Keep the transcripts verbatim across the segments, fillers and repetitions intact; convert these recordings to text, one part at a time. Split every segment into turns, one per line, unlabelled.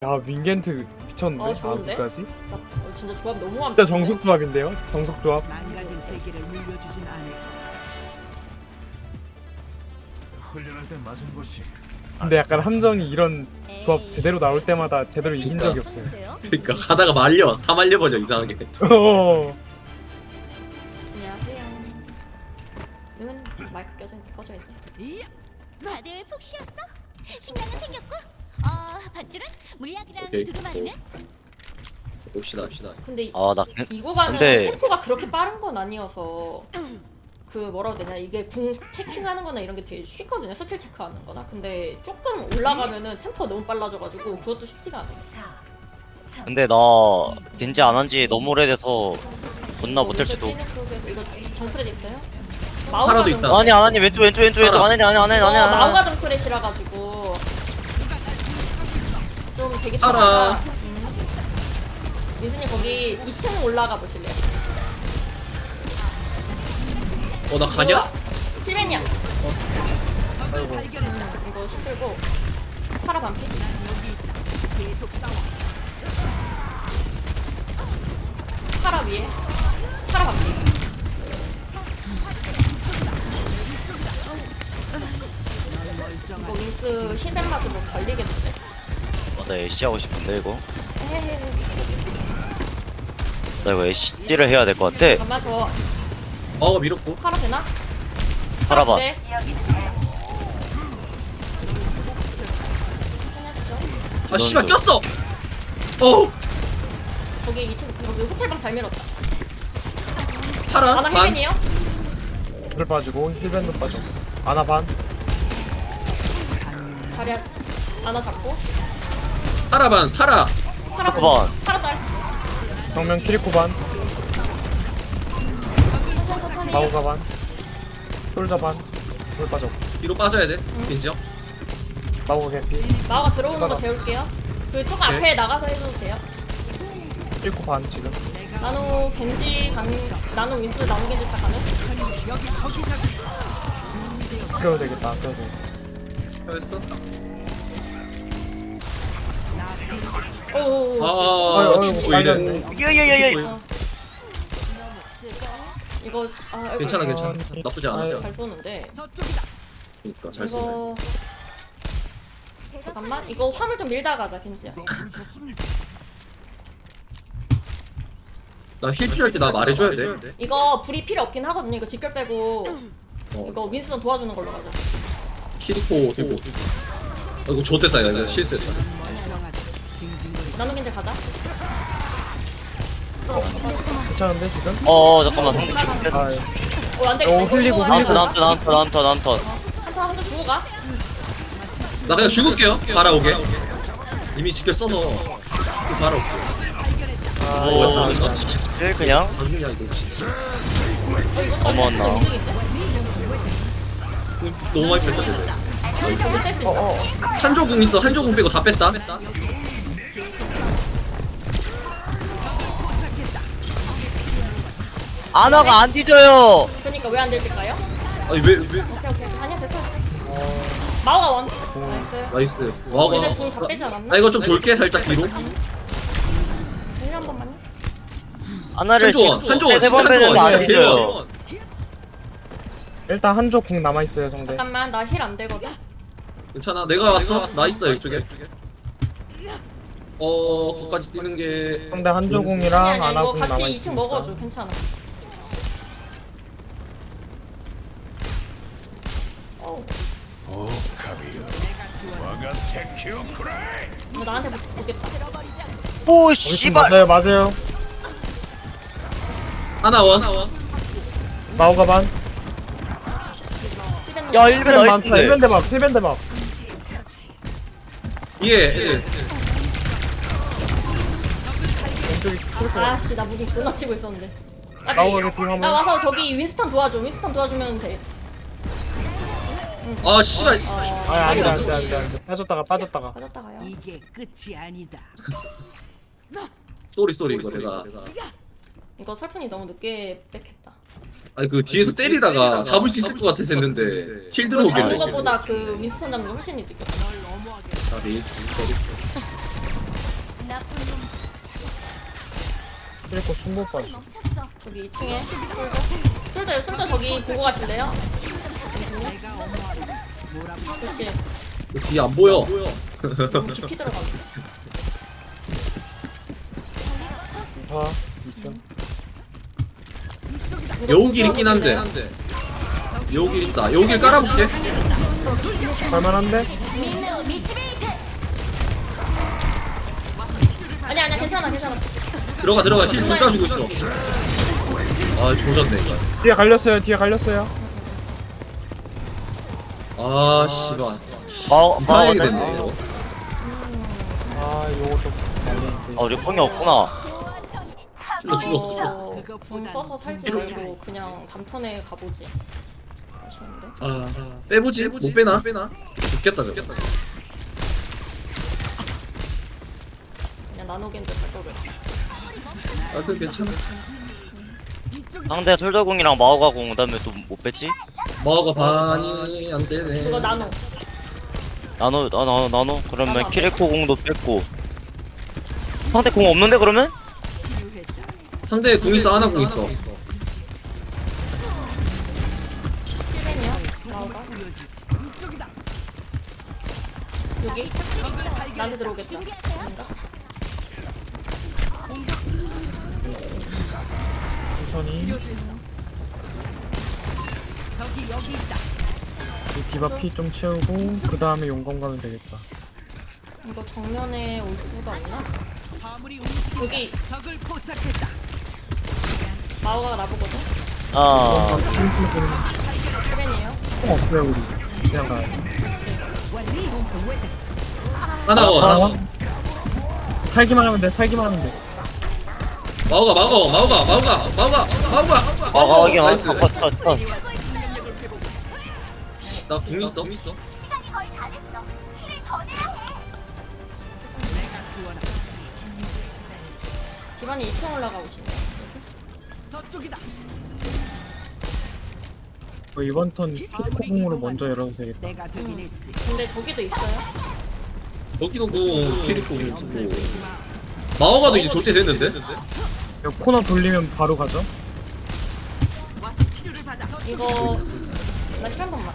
야 윙겐트 미쳤는데.
어, 좋은데?
아구까지?
나 어, 진짜 조합 너무 완벽해.
진짜 정석 조합인데요? 정석 조합.
망가진 세계를 물려주진 않을.
훈련할 때 맞은 곳이
근데 약간 함정이 이런 조합 제대로 나올 때마다 제대로 이긴 적이 없어요.
그러니까 가다가 말려 다 말려버려 이상하게.
어.
안녕하세요. 응, 마이크 껴져 있, 꺼져 있네.
이야!
다들 푹 쉬었어? 식량은 생겼고? 어, 밧줄은? 물약이랑
오케이.
두루마리는?
봅시다 봅시다.
근데 이,
아, 나
이 구간은
근데-
템포가 그렇게 빠른 건 아니어서 그 뭐라고 해야 되냐, 이게 궁 체킹하는 거나 이런 게 되게 쉽거든요, 스킬 체크하는 거나. 근데 조금 올라가면은 템포가 너무 빨라져가지고 그것도 쉽지가 않아요.
근데 나 겐지 안 한 지 너무 오래돼서 존나 못할지도.
이거 정크레 있어요?
하나도
마우가
있다.
좀-
아니 아니 왼쪽 왼쪽 왼쪽 왼쪽 안해 안해 안해
어,
안해
마우가 정크레시라 가지고 좀 되게
알아.
편하다. 음. 민수님 거기 이 층 올라가 보실래요?
어 나 가냐?
필맨이야.
아이고.
음, 이거 힘들고 파라 반피. 파라 위에 파라 반피. 이거 윙스 힐벤 맞으면 걸리겠는데?
어, 나 애쉬 하고 싶은데 이거.
헤헤헤.
나 이거 애쉬를 해야 될 것 같아.
잠깐만, 저
어 밀었고.
파라 되나?
팔아봐.
네.
아 씨발
넌
꼈어. 어
거기 이 층 여기 호텔방 잘 밀었다.
파라
아나
반.
힐벤이에요?
힐 빠지고 힐밴드 빠지고. 아나 반.
자리 아나 잡고
파라 반 파라.
파라
반.
파라 짤.
정면 키리코 반.
천천히 천천히.
마우가 반. 솔자 반. 솔 빠졌고.
뒤로 빠져야 돼. 민지요.
마우가 개피.
마오가 들어오는 거 재울게요. 그 조금
오케이.
앞에 나가서 해줘도 돼요.
키리코 반 지금.
나노 겐지 강 나노 윈스 나노 겐지 다 가능?
아껴도 되겠다. 아껴도 되겠다.
했어.
오오오.
아
아유,
어디
아유,
보이네.
빨렸네.
야야야야.
어. 이거 아 이거
괜찮아
어,
괜찮아. 나쁘지 않아.
아유.
잘 쏘는데.
저쪽이다.
그러니까 잘 쏘네.
이거 잠깐만, 이거 화물 좀 밀다 가자 겐지야.
나 힐 필요할 때 나 말해줘야 돼.
이거 불이 필요 없긴 하거든요. 이거 직결 빼고
어.
이거 윈스턴 도와주는 걸로 가자.
키리코 들고. 아 이거 좋댔다 이거 실수했다.
나노 겐지 가자.
괜찮은데 지금?
어 잠깐만.
아,
어, 안 되겠다.
오,
이거,
흘리고,
이거
다음
흘리고.
턴 다음 턴 다음 턴 다음 턴 다음 턴.
한타 한타 주고 가.
나 그냥 죽을게요. 바라오게. 이미 직결 써서 바라올게.
아,
오
이거 안 돼.
일 그냥
방금이야 이거 진짜.
어, 이거
어머나.
너무 많이 뺐다 쟤네.
뺄수
어,
있다.
어.
한조궁 있어. 한조궁 빼고 다 뺐다.
아나가 안 뒤져요.
그러니까 왜 안 될까요?
아니 왜 왜?
오케이 오케이. 아니야 됐어. 마오가 원. 나이스.
나이스. 와가.
얘네 궁다 빼지 않았나?
나 이거 좀 돌게 살짝 뒤로.
일 한 번만요.
아나를
한조원,
지금
한조원,
세번
진짜
빼는
한조원,
거안
진짜
뒤져요.
개원.
일단 한조 궁 남아 있어요 상대.
잠깐만, 나 힐 안 되거든.
괜찮아. 내가 왔어. 나 있어 이쪽에. 어, 거기까지 뛰는 게.
상대 한조 궁이랑
아니 아니
아나
이거
궁 남아
같이
있으니까.
이 층 먹어줘. 괜찮아. 어,
오카리오 와가 테큐쿠라이
이거 나한테 보겠다.
오
어디쯤
씨발.
맞아요 맞아요.
하나 원.
마우가 반.
야 일벤
힐밴 많다. 힐밴
나이스인데.
대박. 힐밴 대박.
예, 애들.
왼쪽이 키리코.
아씨, 나 무기 존나 치고 있었는데. 아,
마우가 개피 화물.
나 와서 저기 윈스턴 도와줘. 윈스턴 도와주면 돼.
아, 씨발.
어,
아 안돼
아니,
안돼 안돼 안돼. 빠졌다가 빠졌다가.
빠졌다 가요.
이게 끝이 아니다.
쏘리 쏘리 이거 내가.
이거 설fun이 너무 늦게 백했다.
아니 그 뒤에서 때리다가 잡을 수 있을 것 같아서 했는데 힐
이거 잡는
들어오길래.
것보다 그 윈스턴 잡는 게 훨씬 늦게.
아, 네. 쏘리.
그리고 숨못 봐.
멈췄어.
저기 이 층에 솔저 솔저 솔저 저기 보고 가실래요? 그렇지.
뒤에 안 보여.
너무 깊이 들어가네.
아, 있죠.
여우길 있긴 한데. 여우길 있다. 여우길 깔아볼게.
갈만한데?
민우 미치베이트.
아니야 아니야 괜찮아 괜찮아.
들어가 들어가 힐 둘 다 주고 있어. 아 조졌네 이거.
뒤에 갈렸어요. 뒤에 갈렸어요.
아 씨발.
마오
이상하게
마오
됐네 이거.
아, 요거 좀 날리는데.
아 우리 뽕이 없구나.
힐러 죽었어.
어, 궁 써서 살지 말고 그냥 담턴에 가보지. 아쉬운데.
아 빼보지 못 빼나? 죽겠다 저거.
그냥 나노겐드 갈 거를.
아 그 괜찮아.
상대 솔저궁이랑 마오가궁 그다음에 또 못 뺐지?
마오가 반이 안 되네.
그거 나노.
나노 나노 나노 그러면
나노.
키리코 궁도 뺐고 상대 궁 없는데 그러면?
상대 궁 있어 하나 궁 있어.
힐벤이야? 나오가? 여기? 나한테 들어오겠다. 아닌가?
천천히. 이 디바 피 좀 채우고 그 다음에 용검 가면 되겠다.
이거 정면에 올 수가 없나?
화물이
여기
움직여 적을 포착했다.
마오가 나보거든?
아
힐벤이에요?
어, 없어요 우리. 그냥 가요.
하나 원. 하나 원.
살기만 하면 돼. 살기만 하면 돼.
마오가 마오가 마오가 마오가 마오가 마오가
마오가 확인
나이스.
컷컷컷
나 궁 있어.
시간이 거의 다 됐어. 힐을 더 내야 해.
기반이 이 층 올라가고 싶네.
저쪽이다.
어, 이번 턴 피코공으로 먼저 열어도 되겠다.
내가 되긴 했지.
근데 저기도 있어요?
여기도 뭐 키리코 궁 있고. 마오가도 이제 돌 때 됐는데.
여기 코너 돌리면 바로 가죠.
와서 치료를 받아.
이거 나힐한 번만.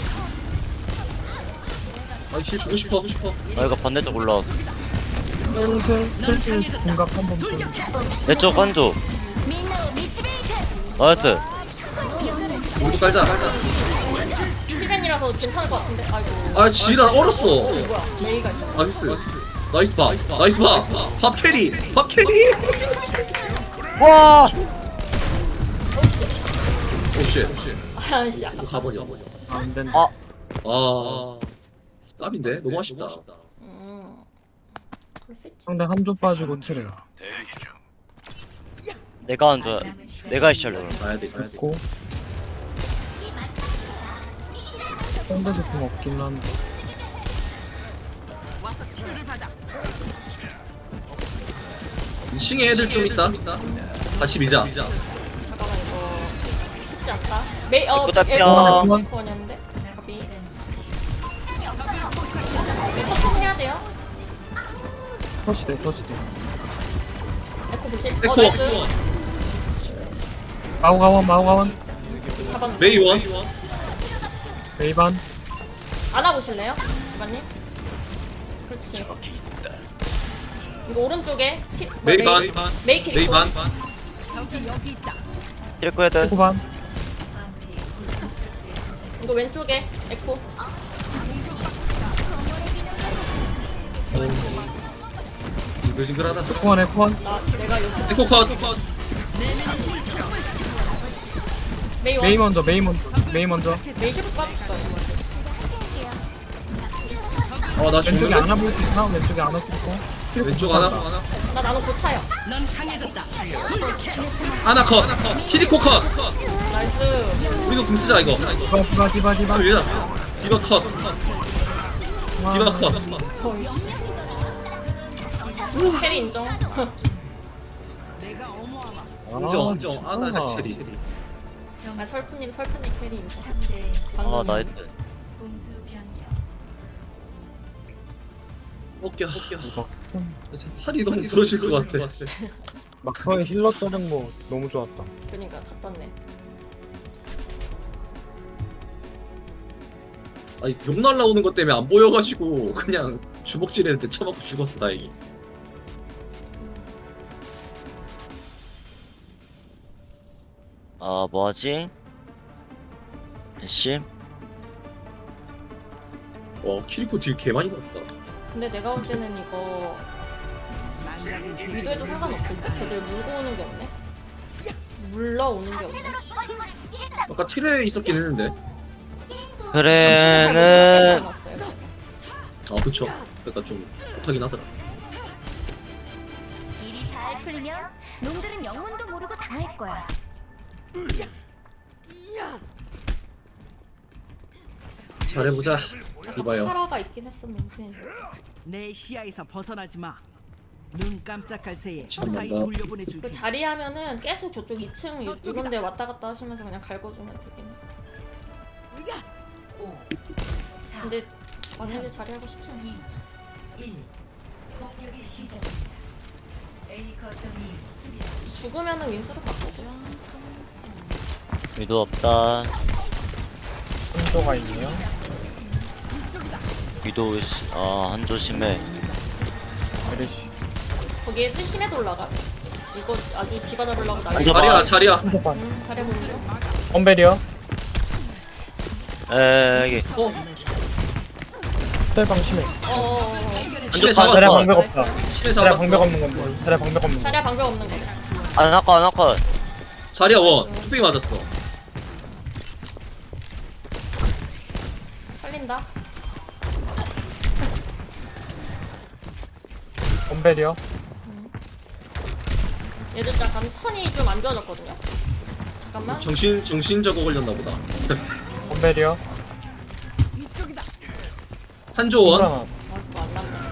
아힐 주고 싶어. 싶어.
아 이거 반대쪽 올라왔어.
슬슬 슬슬 공각 한번 더.
내쪽 한조
민우 미치베이트.
나이스.
우리 깔자. 깔자.
힐벤이라서 괜찮을 것 같은데? 아이고.
아 지랄 얼었어.
뭐야? 메이가 있어.
나이스. 나이스 밥. 나이스 밥. 밥 캐리. 밥 캐리.
와
오쉣.
아씨 아까.
가버려.
아, 안 된다.
아
아. 땀인데 너무 아쉽다.
음. 그럴 수 있지.
상대 한조 빠지고 트레.
내가 한조야. 내가 시작해.
가야 돼. 가야 돼.
있고. 상대도 공 없긴 한데.
와서 치료를 받아.
이 층에 애들 좀 있다. 같이 밀자.
잠깐만 이거 쉽지 않다. 메이 어
이거 다
에코
뼈.
에코였는데. 가비. 에코 해야 돼요.
터치돼 터치돼.
에코 보실.
에코.
어 나이스.
마오가원 마오가원.
가방.
메이원.
메이반.
안아보실래요? 기반님? 그렇지. 이거 오른쪽에 히, 뭐,
메이반.
메이, 메이 캐릭터.
메이반.
저기 여기 있다.
키리코 헤드.
후반.
이거 왼쪽에 에코.
징글징글하다.
에코원 에코원.
나 내가 여기
에코 컷.
메이 원.
메이 먼저 메이 먼저 메이 먼저.
메이 십 빠졌어.
아나
왼쪽에
죽는데.
안아 볼 수 있나? 왼쪽에 안아 있고.
왼쪽 하나. 하나.
나 나노 고차요.
넌 강해졌다.
하나 컷. 키리코 컷.
나이스.
우리도 궁 쓰자 이거.
디바 디바 디바 디바.
아 왜다. 디바 컷. 디바 컷.
캐리 인정.
내가 어머하마.
인정 인정. 아나 시체리.
아 설프님 설프님 캐리 인정.
아
방금
나이스.
어깨 어깨.
이거
팔이 너무 부러질 것 같아.
막판에 힐러 떠는 거 너무 좋았다.
그니까 다 떴네.
아니 욕 날라오는 것 때문에 안 보여가지고 그냥 주먹질했는데 쳐맞고 죽었어 다행히.
아 뭐하지? 씨?
와 키리코 딜 개 많이 났다.
근데 내가 볼 때는 이거
망가진 세계.
위도해도 상관없을 듯? 쟤들 물고 오는 게 없네? 물러오는 게 없네?
아까 틀에 있었긴 했는데.
그래는
아 그쵸. 그러니까 좀 못하긴 하더라.
일이 잘 풀리면 놈들은 영문도 모르고 당할 거야.
잘해보자. 이봐요.
파라가 있긴 했었는데
내 시야에서 벗어나지 마. 눈 깜짝할 새에
참는다.
무사히 돌려보내줄게.
그 자리하면은 계속 저쪽 이 층 이런 데 왔다 갔다 하시면서 그냥 갈궈주면 되긴 해. 근데 만약에 자리하고 싶지 않아. 죽으면은 윈스로 바꾸고요.
위도 없다.
한조가 있네요.
위도 씨- 아 한조 심해.
메르시.
거기에 심해도 올라가. 이거 아주 디바 잡으려고 난리.
앉아봐.
자리야 자리야.
한조 반.
음, 잘해보는 중.
엄베리어.
에이
스텔방 심해.
어어어.
신에
반-
자리야
잡았어.
방벽 없다.
신에
자리야
잡았어.
방벽 없는 건데. 자리야 방벽 없는 거.
자리야 방벽 없는 거.
안아컷 안아컷.
자리야 원. 뚝배기 맞았어.
살린다.
엄베리어.
얘들 약간 턴이 좀 안 좋아졌거든요. 잠깐만.
정신 정신 저거 걸렸나 보다.
엄베리어.
한조원.
하나.
아, 그거 안 났네.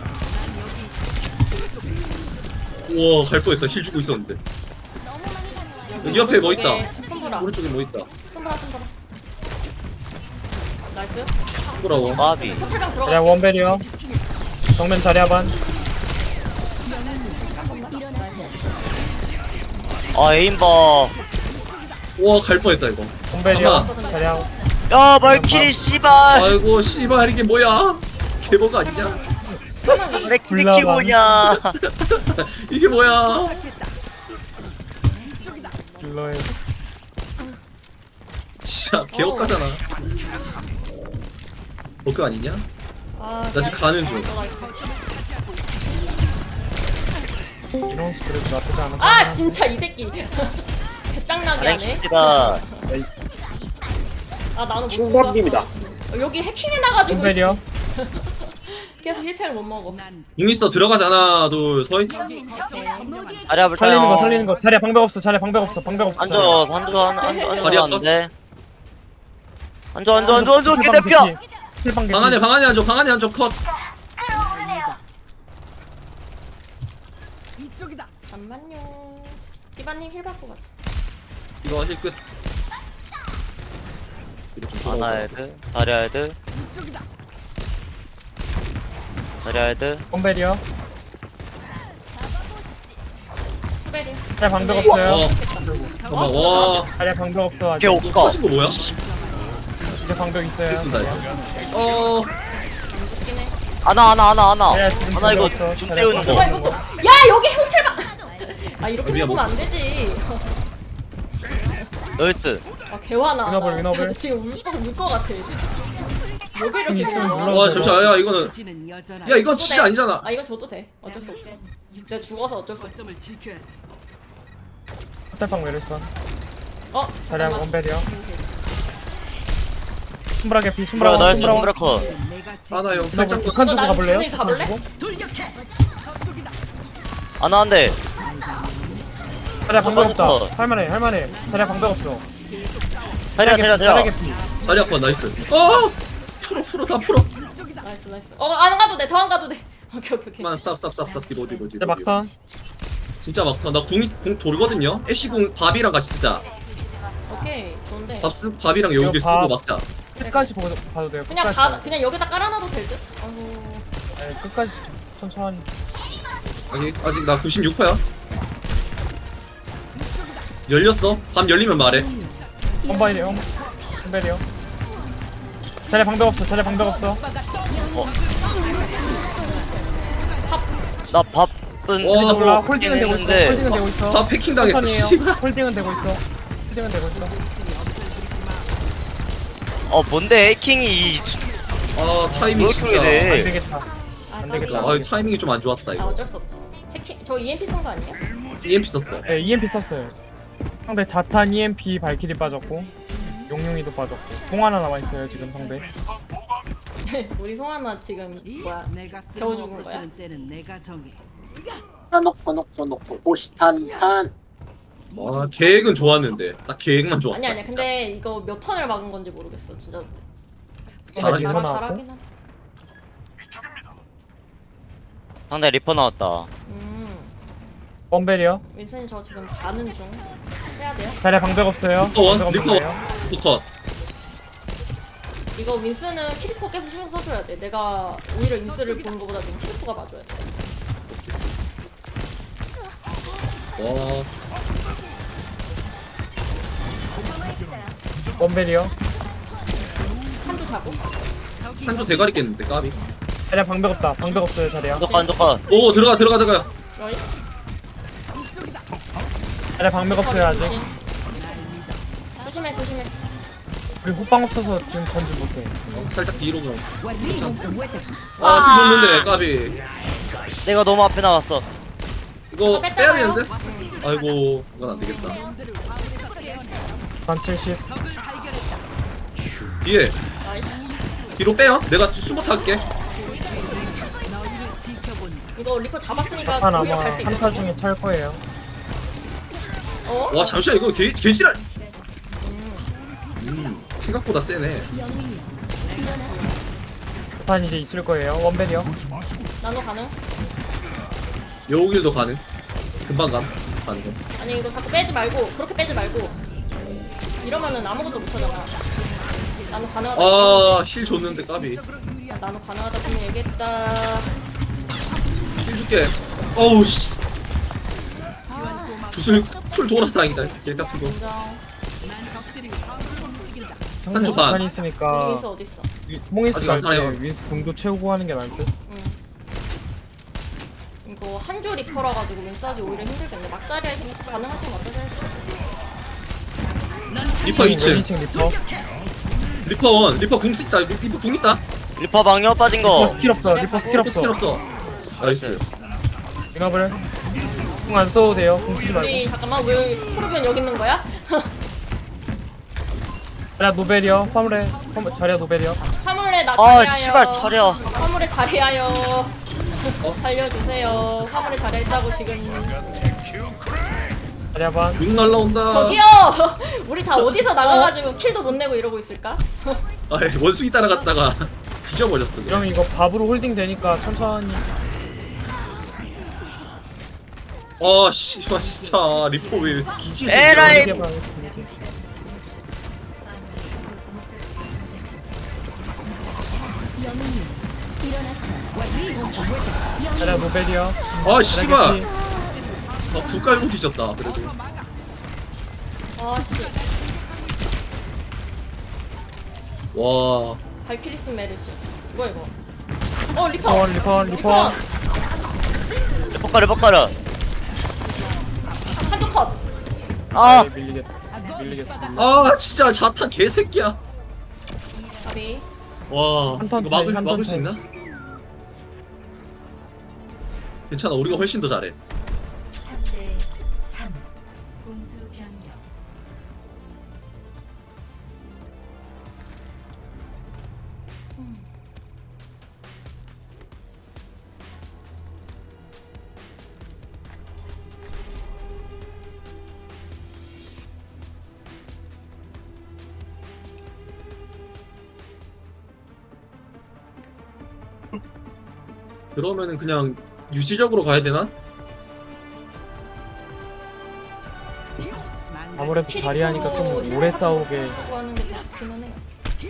우와 갈 뻔했다. 힐 주고 있었는데. 여기 옆에 뭐 있다.
손보라.
오른쪽에 뭐 있다.
손보라 손보라. 나이스.
돌아와.
마비.
호텔방
자리야
들어가.
원베리어. 정면 자리야 반.
아 에임봐.
우와 갈 뻔했다 이거.
엄베리어.
잠깐만.
자리야.
야 말키리 씨발.
아이고 씨발 이게 뭐야? 개버가 아니냐?
왜 키리
굴러가.
키우냐?
이게 뭐야?
딜러의
진짜 개업가잖아. 버그 아니냐?
아,
나 지금 가는 중.
이런 스트레스 나쁘지 않아.
아 진짜 이 새끼. 개짱나게 하네.
알렉시티다.
아 나는 못
충격입니다.
죽었어. 여기 해킹해놔가지고
엄베리어.
계속 힐패를 못 먹어.
난
용 있어 들어가자 하나 둘 서.
여기 거점 점령한다.
자리야 불타요.
살리는 거 살리는 거. 자리야 방벽 없어. 자리야 방벽 없어. 방벽 없어.
한조 한조 한 한조
자리
한조
아파?
안돼. 한조 한조 한조 한조 개대표.
힐방
방 안에 방 안에 앉아 방 안에 앉아 컷.
이쪽이다.
잠만요. 띠바님 힐 받고 가자.
이거 힐 끝. 이거 좀
하나
돌아오자.
헤드. 자리야 헤드.
이쪽이다.
자리야 헤드.
엄베리어.
투베리.
자리야 방벽
어.
없어요.
잠깐만 와.
자리야 방벽 없어. 아직.
개
이거
옷가.
터진 거 뭐야?
이제 방벽 있어요.
됐습니다. 이거. 어.
웃긴 해.
하나 하나 하나 하나.
자리야 지금
하나 이거
방벽 없어.
줌
자리야
띄우는
방벽
거.
아 이거 또. 야 여기 호텔방. 아 이렇게
미안,
보면 안 되지.
나이스.
아 개화나.
위너블,
나
위너블.
지금 울것 같아. 여기 이렇게
있으면
보면.
눌러.
와 잠시만 야 이거는
부지는 여전하.
야 이건
줘도
진짜
돼.
아니잖아.
아 이건 줘도 돼. 어쩔 수 없어. 내가 죽어서 어쩔 수 없어.
거점을 지켜야 돼.
호텔방 메르스반.
어
자리야
잠깐만.
원베리어. 숨브라 개피.
브라
숨브라
나이스
숨브라.
홈브라커.
내가
하나 형
이거
살짝
북한 쪽으로
어, 나
가볼래요?
저기 가볼래?
북한 쪽으로?
돌격해. 저쪽이다.
하나 한대.
자리야 방벽
어.
없다. 할만해 할만해. 자리야 방벽 없어.
자리야 자리야
자리야
자리야.
개피.
자리 아파 나이스. 어. 풀어 풀어 다 풀어.
나이스 나이스. 어안 가도 돼. 더 안 가도 돼. 오케이 오케이 오케이.
그만 스탑 스탑 스탑 스탑 뒤로 뒤로 뒤로.
이제 막선.
진짜 막타. 나궁 공 돌거든요. 애쉬 궁 밥이랑 같이 쓰자.
오케이 좋은데.
밥 쓰, 밥이랑 여기
이거
쓰고
밥.
막자.
끝까지 보고 봐도 돼요.
그냥
끝까지.
가 그냥 여기다 깔아놔도 될 듯. 아이고.
네, 끝까지 천천히.
아직 아직 나 구십육 퍼야. 열렸어. 밤 열리면 말해.
험바이요. 험벨이요. 자리 방벽 없어. 자리 방벽 없어.
나 밥은
와,
몰라.
뭐
홀딩은 되고 있어.
했는데
홀딩은 되고 있어.
다 패킹 당했어.
천천히요.
씨발.
홀딩은 되고 있어. 홀딩은 되고 있어.
어 뭔데 해킹이 이-
아 타이밍
왜
진짜.
이렇게
안
돼?
되겠다.
아,
안 되겠다.
아 타이밍이 좀 안 좋았다
아
이거.
어쩔 수 없지. 해킹 저 이엠피 쓴 거 아니에요?
이엠피 썼어.
네, 이엠피 썼어요. 상대 자탄, 이엠피, 발키리 빠졌고 용용이도 빠졌고 공 하나 남아 있어요 지금 상대.
우리 송하나 지금 뭐야?
내가
겨우 죽은
쓸모없어
거야?
주는 때는 내가 정해.
놓고 놓고 놓고 호시탄탄.
와 계획은 좋았는데 딱 계획만 좋았다.
아니 아니야.
진짜.
근데 이거 몇 턴을 막은 건지 모르겠어. 진짜
잘하긴
잘-
하나
잘하긴 하네.
상대 리퍼 나왔다.
음,
험벨이요.
윈선이 저 지금 가는 중. 해야 돼요?
자리 방벽 없어요.
리퍼 원,
방벽
리퍼
없네요.
컷.
이거 윈스는 키리코 계속 신경 써줘야 돼. 내가 오히려 윈스를 보는 것보다 지금 키리코가 봐줘야 돼.
와
험벨이요.
한조 자고.
한조 대가리 깼는데 까비.
자리 방벽 없다. 방벽 없어요 자리야.
안독한 안독한.
오 들어가 들어가 들어가.
여기.
자리 방벽 없어요 아직.
조심해 조심해.
우리 호빵 없어서 지금 던지 못해.
어, 살짝 뒤로 가.
아.
아피 줬는데 까비.
내가 너무 앞에 나갔어.
이거
아,
빼야
뺐잖아요.
되는데. 아이고 이건 안 되겠다.
반 칠십.
뒤에
나이스.
뒤로 빼요. 내가 숨어 탈게.
이거 리퍼 잡았으니까
자탄
오히려
아마
갈수 있어.
한타 중에 찰 거예요.
어?
와 잠시만 이거 개 개지랄. 음 생각보다 세네.
자탄 이제 있을 거예요. 험벨이요.
나노 가능?
여우길도 가능. 금방 감. 가는 거.
아니 이거 자꾸 빼지 말고 그렇게 빼지 말고 이러면은 아무것도 못하잖아. 나노 가능하다.
아힐 줬는데 까비.
나노 가능하다 분명 얘기했다.
힐 줄게. 어우 씨. 주술 쿨 돌아서 다행이다. 개 같은 거.
인정.
상대
한조 반.
자탄이
우리
있으니까
윈스 어딨어?
몽이스
아직 안
갈때
살아요.
윈스 공도 채우고 하는 게 나을 듯.
응. 이거 한조 리퍼라 가지고 윈스 하기 오히려 힘들겠네. 막자리에 가능하신 거 같아서.
리퍼 이 층.
이 층 리퍼.
리퍼 원. 리퍼 궁 있다. 리퍼 궁 있다.
리퍼 방역 빠진
리퍼
거.
스킬 없어. 리퍼 스킬
리퍼
없어.
스킬 없어. 나이스.
잉업을 공 안 써도 돼요. 공 쓰지 말고.
우리 잠깐만 왜 토르비언 여기 있는 거야?
자리야 노벨이요. 화물에 화물 자리야 노벨이요.
화물에 나
아
자리하여.
씨발 차려.
화물에 자리하여. 살려주세요. 화물에 자리했다고 지금.
자리야 반.
육 날라온다.
저기요! 우리 다 어디서 나가가지고 킬도 못 내고 이러고 있을까?
아 원숭이 따라갔다가 뒤져버렸어. 그냥.
이러면 이거 밥으로 홀딩 되니까 천천히.
아 씨발 진짜 리퍼 왜 기지에서
에라이.
이렇게 해봐, 이렇게. 자리야 노벨이요.
아 씨발.
자리야 개피.
아, 불 깔고 뒤졌다. 그래도.
아씨.
와.
발키리스 메르시. 뭐야 이거? 어 리퍼.
리퍼 리퍼 리퍼.
리퍼 가려 리퍼 가려.
한쪽 컷.
아
네, 밀리겠다. 밀리겠어.
아 진짜 자탄 개새끼야.
가비.
와.
한턴
이거 막을
차이,
막을 수
한턴
있나? 괜찮아. 우리가 훨씬 더 잘해. 그러면은 그냥 유지력으로 가야 되나?
아무래도 자리하니까 좀 오래 싸우게.
쓰고 하는 게 좋기는 해요.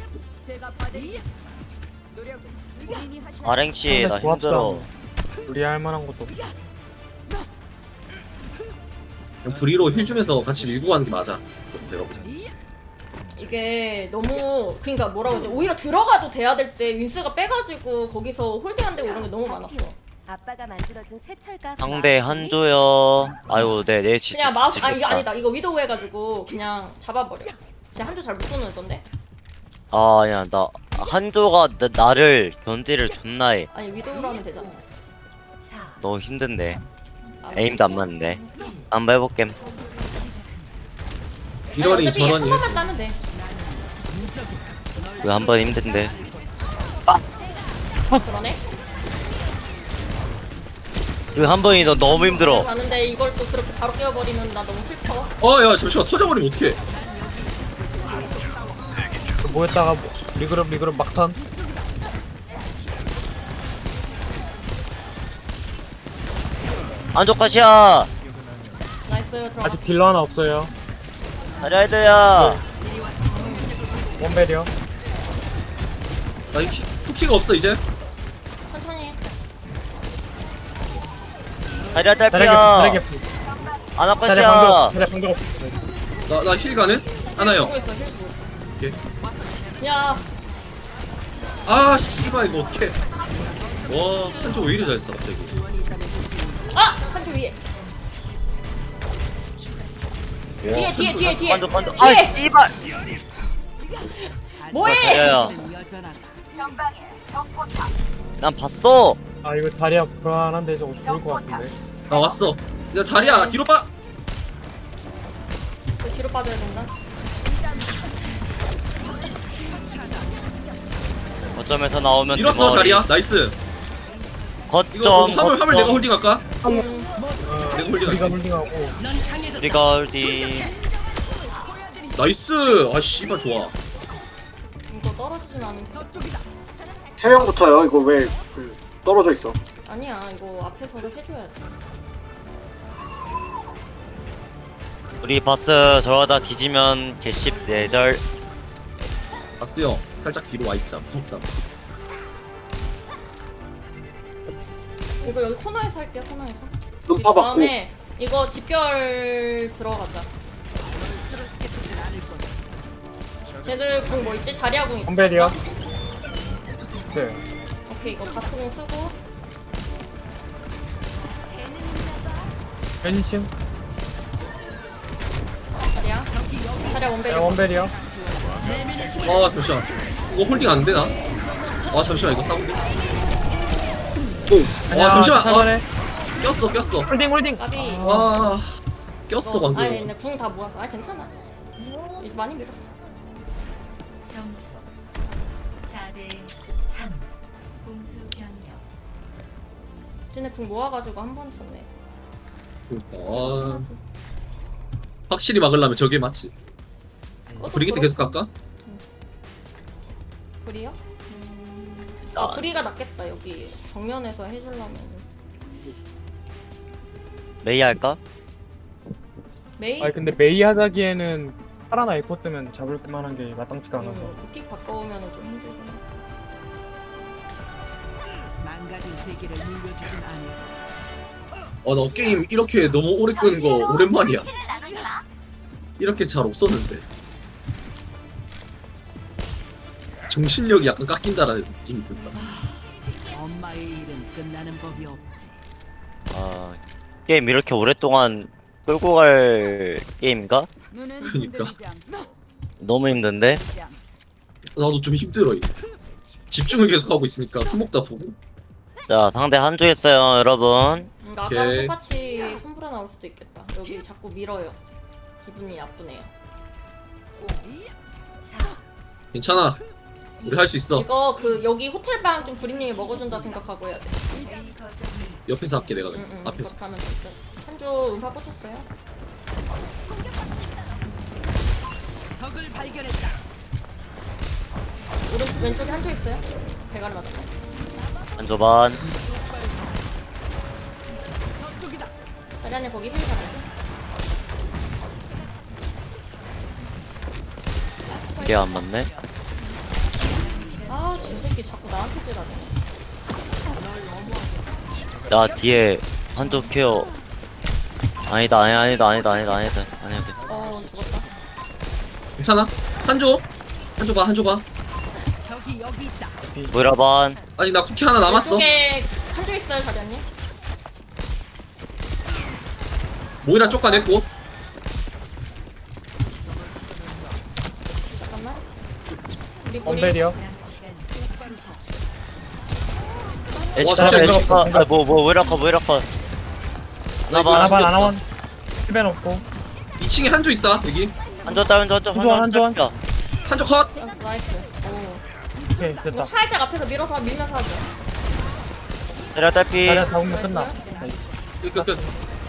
아랭씨 나
상대 조합상.
힘들어.
우리할 만한 것도 없어.
그냥 브리로 힐 주면서 같이 밀고 가는 게 맞아. 내가 보자.
이게 너무 그러니까 뭐라고 하지? 오히려 들어가도 돼야 될 때 윈스가 빼가지고 거기서 홀딩 안 되고 이런 게 너무 많았어.
아빠가 만들어준 새 철가.
상대 한조요. 아이고 네네 진짜.
그냥 마우스 아 이거 아니다. 이거 위도우 해가지고 그냥 잡아버려. 쟤 한조 잘 못 쏘는던데?
아 아니야 나 한조가 나, 나를 견제를 존나 해.
아니 위도우로 하면 되잖아.
너무 힘든데.
아,
에임도 안 맞는데. 한번 해볼게.
이러니
어차피 한
저러니.
번만 따면 돼.
왜 한 번 힘든데.
그러네.
그 한 번이 너 너무 힘들어.
가는데 이걸 또 그렇게 바로 깨워버리면 나 너무 슬퍼.
어야 잠시만 터져버리면 어떡해.
모였다가 리그룹 리그룹 막턴.
안쪽까지야.
나이스 들어가.
아직 딜러 하나 없어요.
자리아이드야.
원베리어.
나 히- 쿠키가 없어 이제.
천천히 해.
자리아
자리게
딸피야.
자리게. 자리
안쪽까지야.
방벽 자리 방벽 없어.
나 나 힐 가는? 하나요.
보고 있어 힐.
오케이.
야
아 씨발 이거 어떡해. 와 한조 왜 이리 잘 써 갑자기.
아! 한조 위에. 뒤에 뒤에 뒤에 뒤에.
반쪽 반쪽.
뒤에.
아 씨발.
뭐해?
자리아야.
여전하다.
난 봤어.
아 이거 자리야 불안한데 저거 죽을 것 같은데.
나 왔어. 야 자리야 뒤로 빠.
그 뒤로 빠져야 된다.
거점에서 나오면
밀었어
대머리.
자리야. 나이스. 이거
거점
화물 화물 내가 홀딩할까?
음,
내가
우리가
홀딩할게.
홀딩하고.
우리가 어디
나이스. 아 씨발 좋아.
이거 떨어지진 않은.
세 명부터요. 이거 왜 그, 떨어져 있어?
아니야 이거 앞에서도 해줘야 돼.
우리 바스 저러다 뒤지면 개씹 내절.
바스 형 살짝 뒤로 와 있자. 무섭다.
이거 여기 코너에서 할게요 코너에서.
눈파 받고.
다음에 이거 집결 들어가자. 쟤들 궁 뭐 있지? 자리아 궁 있지?
원베리어. 네.
오케이 이거 바스궁 쓰고
변신.
자리아 자리아 원베리.
네, 원베리어.
아 잠시만. 이거 홀딩 안 되나? 아 잠시만 이거 싸운데.
아니야,
아 잠시만. 아,
천천히.
꼈어 꼈어.
홀딩 홀딩.
까비.
아 꼈어 방금.
아니 근데 궁 다 모아서. 아 괜찮아. 이제 많이 밀었어.
점수 사 대 삼. 공수 변경.
쟤네 궁 모아가지고 한 번 썼네.
아, 확실히 막으려면 저게 맞지. 브리기트 계속 갈까?
브리요? 음... 아 브리가 낫겠다 여기 정면에서 해주려면.
메이 할까?
메이?
아니 근데 메이 하자기에는 파라나 에코 뜨면 잡을 만한 게 마땅치가 않아서.
음, 픽 바꿔오면 좀 힘들구나.
망가진 세계를 물려주진 않을.
어, 나 게임 이렇게 너무 오래 끄는 거 오랜만이야. 이렇게 잘 없었는데. 정신력이 약간 깎인다라는 느낌이 든다.
엄마의 일은 끝나는 법이 없지.
아 게임 이렇게 오랫동안 끌고 갈 게임인가?
눈은
그니까.
흔들리지 않고
너무 힘든데?
흔들리지 않고.
나도 좀 힘들어 이제. 집중을 계속 하고 있으니까 손목 다 보고.
자 상대 한조 했어요 여러분.
음, 나랑
오케이.
똑같이 손불어 나올 수도 있겠다. 여기 자꾸 밀어요. 기분이 나쁘네요.
괜찮아. 우리 할 수 있어.
이거 그 여기 호텔방 좀 브리님이 먹어준다 생각하고 해야 돼.
옆에서 할게 내가.
응, 응,
앞에서.
그렇게 하면 될 듯. 한조 음파 꽂혔어요.
적을 발견했다.
오른 왼쪽에 한조 있어요. 대가리 맞았어.
한조 반.
자리안에 거기 힐 가네.
이게 안 맞네.
아, 저 새끼 자꾸 나한테 지랄해.
나 뒤에 한조 케어. 아니다 아니 아니다 아니다 아니다 아니다 아니다 돼.
어 죽었다.
괜찮아? 한조 한조 봐 한조 봐.
저기 여기 있다.
모이라 반.
아니 나 쿠키 하나 남았어.
왼쪽에 한쪽 있어요 자리언니.
모이라 쫓아냈고.
잠깐만. 우리 우리
원벨이요.
에치
잠시만,
카메라 에치
이거
카. 아뭐뭐 모이라 카 모이라 카.
나 이거
나봐.
아나반
죽였다.
아나원. 힐벤 없고.
이 층에 한조 있다 여기.
한조 따 한조 한조
한조, 한조.
한조.
한조 컷.
어, 나이스. 오.
오케이
이거
됐다.
살짝 앞에서 밀어서 밀면서 하죠.
때려 딸피.
자리야 잡으면 끝나. 나이스.
끝끝끝.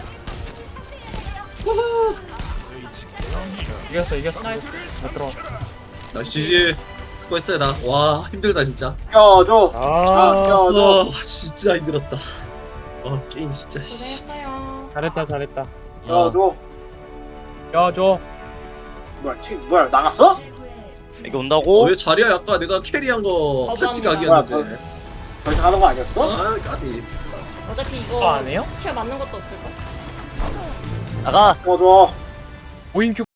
이겼어 이겼어.
나이스.
못 들어.
나 지지. 수고했어요 나. 와 힘들다 진짜.
껴줘.
아
껴줘.
아 진짜 힘들었다. 아 게임 진짜. 씨.
고생했어요.
잘했다 잘했다.
껴줘.
야줘.
뭐야 튀 뭐야 나갔어?
이게 온다고?
어, 왜 자리야 아까 내가 캐리한 거 파치
거부합니다.
각이었는데.
더 이상 하는 거 아니었어?
아 까비.
어차피
그거
이거
안 해요?
킬 맞는 것도 없을걸?
나가.
껴줘.
오인 큐